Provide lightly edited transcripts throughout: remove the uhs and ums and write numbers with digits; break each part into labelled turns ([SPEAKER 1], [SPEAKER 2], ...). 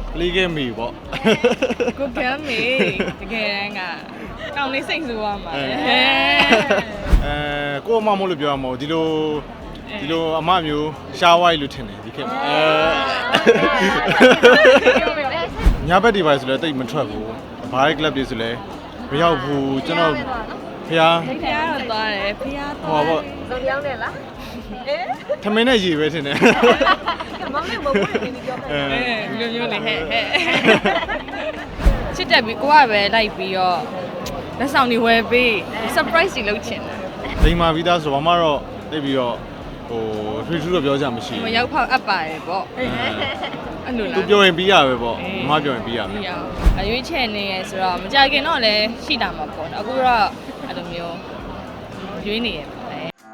[SPEAKER 1] လေးခဲ့မိပေါ့
[SPEAKER 2] ကိုကမ်းမေတကယ်တမ်းကကောင်းလေးစိတ်ဆိုးရမှာလေ
[SPEAKER 1] ကိုအမမို့လို့ပြောရမှာဒီလိုအမမျိုးရှားဝိုင်းလို့ထင်တယ်ဒီခေတ်ညဘက်ဒီပါဆိုလဲတိတ်မထွက်ဘူးဘားကလပ်တွေဆိုလဲမရောက်ဘူးကျွန်တော်ဖျား
[SPEAKER 2] ဖះတော့သွားတယ်ဖះ
[SPEAKER 1] ဟော
[SPEAKER 2] သွား
[SPEAKER 1] ပေါ့
[SPEAKER 3] ဇော်ပြောင်းတယ်လား
[SPEAKER 1] ထမင်းနဲ့ရေပဲထင်တယ်
[SPEAKER 3] မောင်လေးမဟုတ်ဘူးဒီပြောမယ်
[SPEAKER 2] ဒီလိုမျိုးလေဟဲ့ချစ်တက်ပြီးကိုကပဲလိုက်ပြီးတော့လက်ဆောင်တွေဝယ်ပေး surprise တွေလုပ်ချင်တယ်
[SPEAKER 1] လိန်မာပြီးသားဆိုဘာမှတော့တိတ်ပြီးတော့ထွေးထူးတော့ပြောကြမရှိ
[SPEAKER 2] မရောက်ဖောက်အပ်ပါတယ်ပေါ့အဲ့လိုလား
[SPEAKER 1] သူပြောရင်ပြီးရပဲပေါ့မပြောရင်ပြီးရပဲ
[SPEAKER 2] ပြီးအောင်အရွေးချယ်နေရဆိုတော့မကြခင်တော့လည်းရှိတာမှာပေါ့နော်အခုတော့အဲ့လိုမျိုးရွေးနေရပါလေ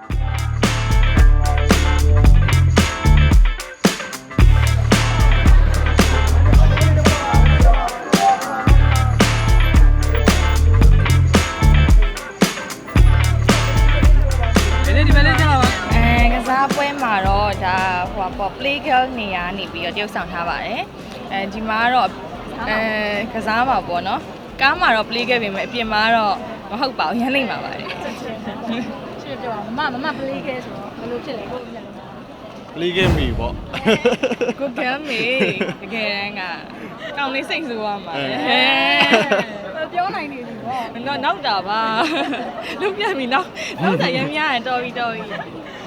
[SPEAKER 2] ကစားပွဲမှာတော့ဒါဟိုပေါ့ play girl နေရာနေပြီးတော့တရုပ်ဆောင်ထားပါတယ်ဒီမှာကတော့ကစားမှာပေါ့နော်ကားမှာတော့ play girl ပြင်မယ်အပြင်မှာတော့မဟုတ်ပါဘူးရမ်းနိုင်ပါပါတယ်
[SPEAKER 3] ချစ်ပြောမမပလေးခဲဆိုတော့ဘယ်လိုဖြစ်လဲကိုပြန်လို့
[SPEAKER 1] လေးခဲ့မိပေါ့
[SPEAKER 2] ကိုကမ်းမေတကယ်တမ်းကကောင်းလေးစိတ်ဆိုးရမှာလေ
[SPEAKER 3] ပြောနိုင်နေပြီပေါ့
[SPEAKER 2] နောက်တာပါလုတ်ပြပြီနောက်တာရမ်းများရင်တော်ပြီ
[SPEAKER 1] အမဟို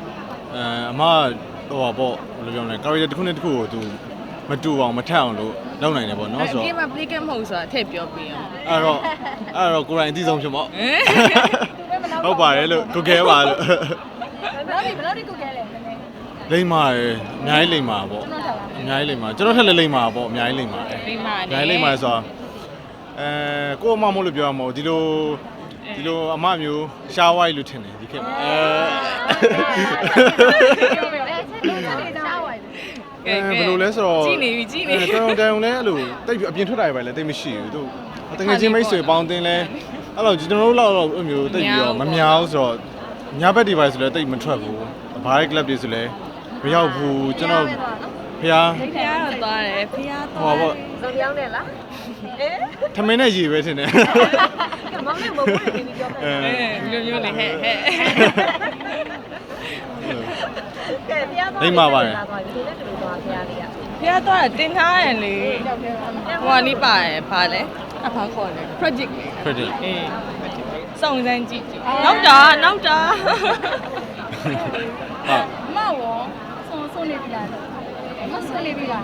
[SPEAKER 1] ပါပေါ့ဘယ်လိုပြောမလဲ character တစ်ခုနဲ့တစ်ခုကိုသူမတူအောင်မထက်အောင်လို့လုပ်နိုင်တယ်ပေါ့နော်ဆိုတော့
[SPEAKER 2] ဒီမှာ play game မဟုတ်ဆိုတာထည့်ပြောပြအောင်
[SPEAKER 1] အဲ့တော့ကိုယ်တိုင်အသိဆုံးဖြစ်ပေါ့ဟုတ်ပါတယ်လို့ကိုကဲပါလို့
[SPEAKER 3] ဘယ်လိုဒီကိုခဲလဲနည်းနည်း
[SPEAKER 1] လိမ့်မာရယ်အများကြီးလိမ့်မာပေါ့အများကြီးလိမ့်မာကျွန်တော်ထက်လည်းလိမ့်မာပေါ့အများကြီးလိမ့်မာတယ်
[SPEAKER 2] လိမ့်မာ
[SPEAKER 1] အများကြီးလိမ့်မာဆိုတော့ကိုအမမို့လို့ပြောရမှာဒီလိုအမမျိုးရှားဝိုင်းလို့ထင်တယ်ဒီခေတ်
[SPEAKER 3] ပြောပြောအဲ့ဒါဝိုင်း
[SPEAKER 1] ဘယ်လိုလဲဆိုတော့
[SPEAKER 2] ကြည့်နေပြီကြည့်နေ
[SPEAKER 1] တောင်တောင်လဲအဲ့လိုတိတ်ပြီးအပြင်ထွက်တာပဲလဲတိတ်မရှိဘူးသူတကယ်ချင်းမိတ်ဆွေပေါင်းတင်လဲအဲ့လိုကျွန်တော်တို့လောက်အဲ့မျိုးတိတ်ပြီးတော့မများဘူးဆိုတော့ညဘက်ဒီပါဆိုလဲတိတ်မထွက်ဘူးဘားကလပ်တွေဆိုလဲမရောက်ဘူးကျွန်တော်ဖျား
[SPEAKER 2] ဖះတော့သွားတယ်ဖះ
[SPEAKER 1] ဟော
[SPEAKER 2] သွား
[SPEAKER 1] ပေါ့
[SPEAKER 3] ဇော်ပြောင်းတယ်လား
[SPEAKER 1] ထမင်းနဲ့ရေပဲထင်တယ်
[SPEAKER 3] မောင်လေးမဟုတ်ဘူးဒီပြောမယ်
[SPEAKER 2] ဒီလိုမျိုးလေဟဲ့
[SPEAKER 3] ကဲဖျားသွားဒီလိုနဲ့တူသွားဖျားလေးอ่ะ
[SPEAKER 2] ဖះသွားတာတင်ထားရလေဟိုကလေးပါတယ်ဖားလဲအဖားခေါ်တယ် project
[SPEAKER 1] credit
[SPEAKER 2] အေးစုံစမ်းကြည့်နောက်တာ
[SPEAKER 1] ဟုတ်
[SPEAKER 3] အမရောဆုံးနေပြီလားမဆုံးနေပြီလား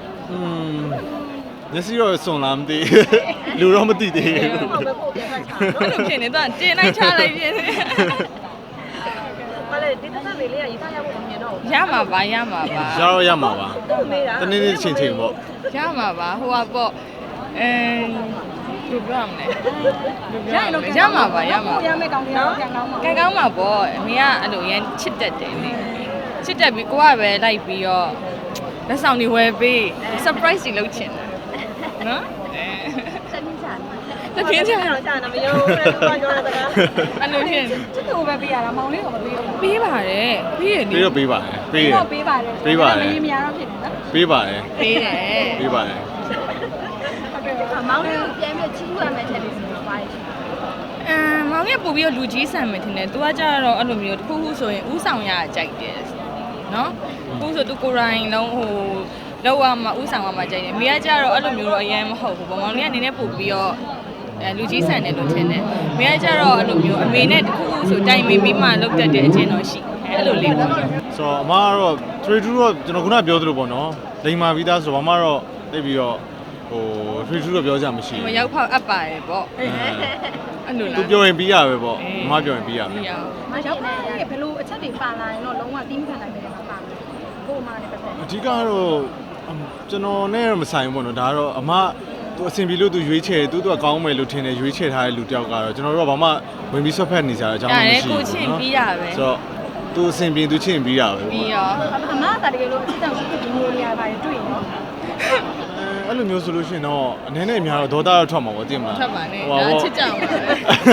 [SPEAKER 1] မျက်စိတော့စွန်လာမသိလူတော့မသိသေးဘူး
[SPEAKER 3] ဟုတ်ပဲပို့ပြန်ခါချာ
[SPEAKER 2] ဘယ်လိုဖြစ်နေတော့တင်လိုက်ချလိုက်ပြင်းနေ
[SPEAKER 3] မလေးဒီတက်လေးလေးကရေးသားရဖို့မမြင်တော့ဘူး
[SPEAKER 2] ရမှာပါရမှာပါ
[SPEAKER 1] ရတော့ရမှာပါ
[SPEAKER 3] တော့မေးတာ
[SPEAKER 1] တနေ့နေ့ချင်းချင်းပေါ့
[SPEAKER 2] ရမှာပါဟိုကပေါ့ဘယ်လိုပြောရမလဲရမှာပါရမှာ
[SPEAKER 3] ရမယ်ကောင်းတယ်ကန်ကောင်းပါ
[SPEAKER 2] ကဲကောင်းမှာပေါ့အမေကအဲ့လိုရမ်းချစ်တတ်တယ်လေချစ်တတ်ပြီးကိုကပဲလိုက်ပြီးတော့လက်ဆောင်တွေဝယ်ပေး surprise တွေလုပ်ချင်တယ်နော်
[SPEAKER 3] စက်ချင်းချာ
[SPEAKER 2] တပြင်းချင်
[SPEAKER 3] တော့ချာမရောဘူးပြောပြောတာက
[SPEAKER 2] အဲ့လိုဖြစ်
[SPEAKER 3] ချစ်သူပဲပေးရတာမောင်လေးကမပေးဘူး
[SPEAKER 2] ပေးပါတယ်ပေးရနေ
[SPEAKER 1] ပေးတော့ပေးပါတယ်ပေးရ
[SPEAKER 3] တော့ပေးပါတယ်မရင်မရတော့ဖြစ်နေနော်
[SPEAKER 1] ပေးပါတယ်
[SPEAKER 2] ပေးတယ်
[SPEAKER 1] ပေးပါတယ်
[SPEAKER 3] မောင်လေးကိုပြန်ပြီးချင်းရမယ်တဲ့ဒီစီမှာပါတယ်
[SPEAKER 2] မောင်ကပို့ပြီးတော့လူကြီးဆန်မယ်ထင်တယ်။ तू ကကြတော့အဲ့လိုမျိုးတစ်ခုခုဆိုရင်ဥဆောင်ရကြိုက်တယ်။နော်။ခုဆို तू ကိုယ်တိုင်လုံးဟိုလောက်ရမှာဥဆောင်ရမှာကြိုက်တယ်။မိကကြတော့အဲ့လိုမျိုးတော့အရင်မဟုတ်ဘူးပေါ့။မောင်လေးကနည်းနည်းပို့ပြီးတော့လူကြီးဆန်တယ်လို့ထင်တယ်။မိကကြတော့အဲ့လိုမျိုးအမေနဲ့တစ်ခုခုဆိုတိုင်မေမိမှလောက်တတ်တဲ့အချင်းတော့ရှိ။အဲ့လိုလေးပေါ့
[SPEAKER 1] ဆိုတော့အမကတော့ trade to တော့ကျွန်တော်ခုနပြောသလိုပေါ့နော်လိန်မာပြီးသားဆိုဘာမှတော့တိတ်ပြီးတော့trade to တော့ပြောကြမရှိ
[SPEAKER 2] ။မ
[SPEAKER 1] ဘူး
[SPEAKER 2] ရောက်ဖောက်အပ်ပါတယ်ပေါ့။အဲ့လိုလား
[SPEAKER 1] သူပြောရင်ပြီးရပဲပေါ့အမပြောရင်ပြီးရပဲ
[SPEAKER 2] ပြီးအောင်
[SPEAKER 3] မရောက်ပါဘူးဘယ်လိုအချက်တွေပါလာရင်တော့လုံးဝတင်းခံနိုင်တယ်မှာပါကိုအမနဲ့ပတ်သက်
[SPEAKER 1] အဓိကတော့ကျွန်တော်နဲ့မဆိုင်ဘူးပေါ့နော်ဒါကတော့အမသူအဆင်ပြေလို့သူရွေးချယ်သူကကောင်းမယ်လို့ထင်တယ်ရွေးချယ်ထားတဲ့လူတယောက်ကတော့ကျွန်တော်တို့ကဘာမှဝင်ပြီးဆွတ်ဖက်နေကြတာအကြောင်းမရှိဘူး
[SPEAKER 2] ကိုချင်းပြီးရပဲ
[SPEAKER 1] ဆိုတော့သူအဆင်ပြေသူချင်းပြီးရပဲ
[SPEAKER 2] ပြီးရော
[SPEAKER 3] အမကတကယ်လို့အစ်တောင်ရှိတဲ့ဒီလိုနေရာပါတယ်တွေ့ရင်တော့
[SPEAKER 1] အဲ့လိုမျိုးဆိုလို့ရှိရင်တော့အနေနဲ့အများတော့ဒေါသတော့ထွက်မှာပေါ့သိမလား
[SPEAKER 2] ထွက်ပါနဲ့ဒါချစ်ကြအောင်ပါပဲ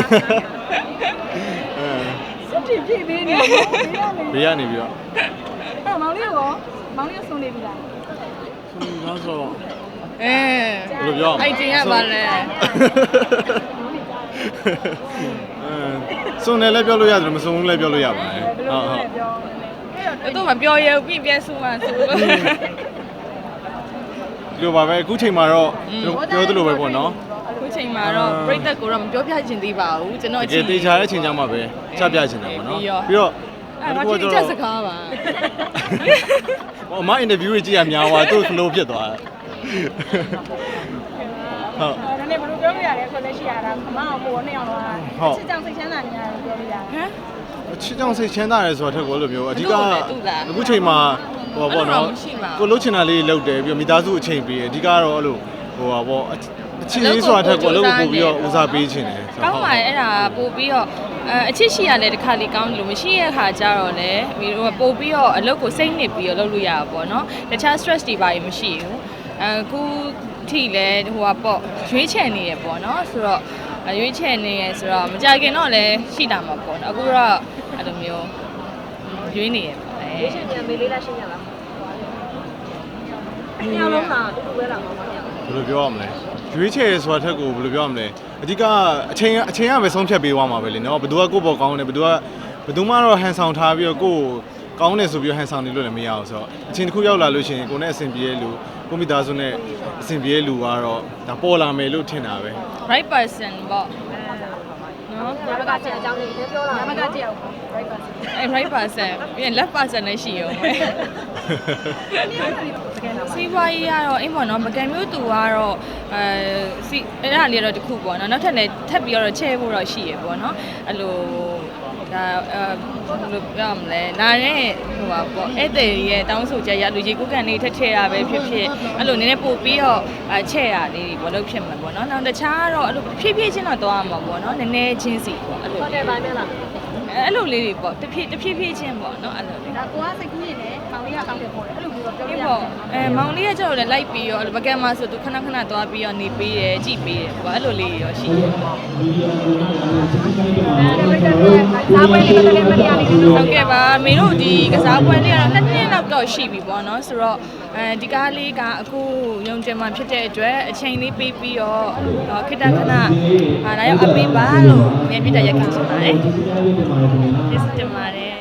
[SPEAKER 3] စစ်တီပြေးပေးနေတယ်
[SPEAKER 1] ဘေးကနေပြီးတော့
[SPEAKER 3] အဲ့မောင်လေးရောမောင်လေးဆုံးနေပြီလား
[SPEAKER 1] ဆိုတော့ဘယ်လိုပြော
[SPEAKER 2] အဲ့တင်ရပါလဲ
[SPEAKER 1] စုံတယ်လည်းပြောလို့ရတယ်မစုံဘူးလည်းပြောလို့ရပါတယ်ဟုတ်ဟုတ်
[SPEAKER 2] သူ့မပြောရဘူးပြန်ဆူမှဆိုလို့
[SPEAKER 1] ဒီလိုပါပဲအခုချိန်မှာတော့ပြောသလိုပဲပေါ့နော်
[SPEAKER 2] အခုချိန်မှာတော့ပြိတ္တကိုတော့မပြောပြချင်သေးပါဘူးကျွန်တော်
[SPEAKER 1] တကယ်တေချာတဲ့ချိန်ကြမှာပဲချပြချင်တယ်ပေါ့နော်ပြီးတော့
[SPEAKER 2] အဲ့ဒါတိကျစကားပါ
[SPEAKER 1] ဟိုအမအင်တာဗျူးကြီးကြည့်ရများသွားသူ့ flow ဖြစ်သွားတယ်ဟုတ်
[SPEAKER 3] ဒါနဲ့ဘယ်လိုပြောလို့ရလဲဆိုလက်ရှိရတာအမအောင်ပို့နေအောင်တော့ချစ်ကြောင်စိတ်ချမ်းသာနေရတယ်ပြောလို့ရတယ်
[SPEAKER 2] ဟမ်
[SPEAKER 1] ချစ်ကြောင်စိတ်ချမ်းသာတယ်ဆိုတာထက်ကိုအဲ့လိုမျိုးအဓိကအခုချိန်မှာဟိုပေါ့နော်ကိုလှုပ်ချင်တာလေးလှုပ်တယ်ပြီးတော့မိသားစုအချိန်ပေးတယ်အဓိကတော့အဲ့လိုဟိုပါပေါ့အချစ်ရေးဆိုတာထက်ကိုလှုပ်ပို့ပြီးတော့ဦးစားပေးခြင်းတယ်
[SPEAKER 2] ကောင်းပါတယ်အဲ့ဒါပို့ပြီးတော့အချစ်ရှိရတယ်တစ်ခါလေးကောင်းတယ်လို့မရှိရခါကြတော့လေပို့ပြီးတော့အလုပ်ကိုစိတ်နစ်ပြီးတော့လုပ်လို့ရတာပေါ့နော်တခြား stress တွေပါမရှိဘူးအခုထိလဲဟိုကပေါ့ရွေးချယ်နေရပေါ့နော်ဆိုတော့ရွေးချယ်နေရဆိုတော့မကြခင်တော့လည်းရှိတာမှာပေါ့နော်အခုတော့အဲ့လိုမျိုးရွေးနေရပေါ့ရွေးချယ်ပြန်မေးလေးလားရှင်းရလားညလုံးလားတူတူပဲလားမမည
[SPEAKER 1] ဘယ်လိုပြောရမလဲရွေးချယ်ဆိုတာထက်ကိုဘယ်လိုပြောရမလဲအဓိကအချိန်ကပဲဆုံးဖြတ်ပေးသွားမှာပဲလေနော်ဘယ်သူကကိုယ့်ဘောကောင်းတယ်ဘယ်သူမှတော့ဟန်ဆောင်ထားပြီးတော့ကိုယ်ကောင်းတယ်ဆိုပြီးဟန်ဆောင်နေလို့လည်းမရအောင်ဆိုတော့အချိန်တစ်ခုရောက်လာလို့ရှိရင်ကိုယ်နဲ့အဆင်ပြေတဲ့လူကိုမိသားစုနဲ့အဆင်ပြေတဲ့လူကတော့ဒါပေါ်လာမယ်လို့ထင်တာပဲ
[SPEAKER 2] right person ပေါ့နော်
[SPEAKER 3] ညမကကြည့်အကြောင်းလေးပြောလာညမကကြည့်အောင် right person
[SPEAKER 2] အဲ့ right person ပြီးရင် left person လည်းရှိအောင်ပဲစီးပွားရေးကတော့အိမ်ပေါ့နော်ပကံမျိုးသူကတော့စီအဲ့ဒါလေးတော့တခုပေါ့နော်နောက်ထပ်လည်းထပ်ပြီးတော့ချဲဖို့တော့ရှိရပေါ့နော်အဲ့လိုဒါဘယ်လိုပြောမလဲလာတဲ့ဟိုပါပေါ့ဧည့်သည်ရဲ့တောင်းဆိုချက်ရလူကြီးကိုကန်လေးထက်ထည့်ရပဲဖြစ်ဖြစ်အဲ့လိုနည်းနည်းပို့ပြီးတော့ချဲ့ရလေးတွေပေါ့လုပ်ဖြစ်မှာပေါ့နော်နောက်တခြားတော့အဲ့လိုဖြည်းဖြည်းချင်းတော့သွားမှာပေါ့နော်နည်းနည်းချင်းစီပေါ့အဲ့လိုဟုတ်တယ်ပါမယ်လားအဲ့လိုလေးတွေပေါ့တဖြည်းဖြည်းချင်းပေါ့နော်အဲ့လိုလေး
[SPEAKER 3] ဒါကိုကစိတ်ကူးနေတယ်မောင်လေးကကောင်းတယ်ပေါ့လေအဲ့လိုမျိုးတော့ပြောပြ
[SPEAKER 2] ဒီ
[SPEAKER 3] ရ
[SPEAKER 2] ပေါ့မောင်လေးကကျတော့လည်းလိုက်ပြီးရောပကံမှာဆိုသူခဏခဏသွားပြီးတော့နေပေးတယ်ကြည့်ပေးတယ်ပေါ့အဲ့လိုလေးရောရှိတယ်
[SPEAKER 3] စားပွဲလေးမတကယ်မရနေလို့
[SPEAKER 2] ဟုတ်ကဲ့ပါမေတို့ဒီကစားပွဲလေးကတော့2နှစ်လောက်တော့ရှိပြီပေါ့နော်ဆိုတော့ဒီကားလေးကအခုရုံတင်မှဖြစ်တဲ့အတွက်အချိန်လေးပေးပြီးတော့ခိတ္တခဏလာရောက်အပေးပါလို့မြန်ပြတဲ့ရက်ခင်ချင်ပါတယ်ကျေးဇူးတင်ပါတယ်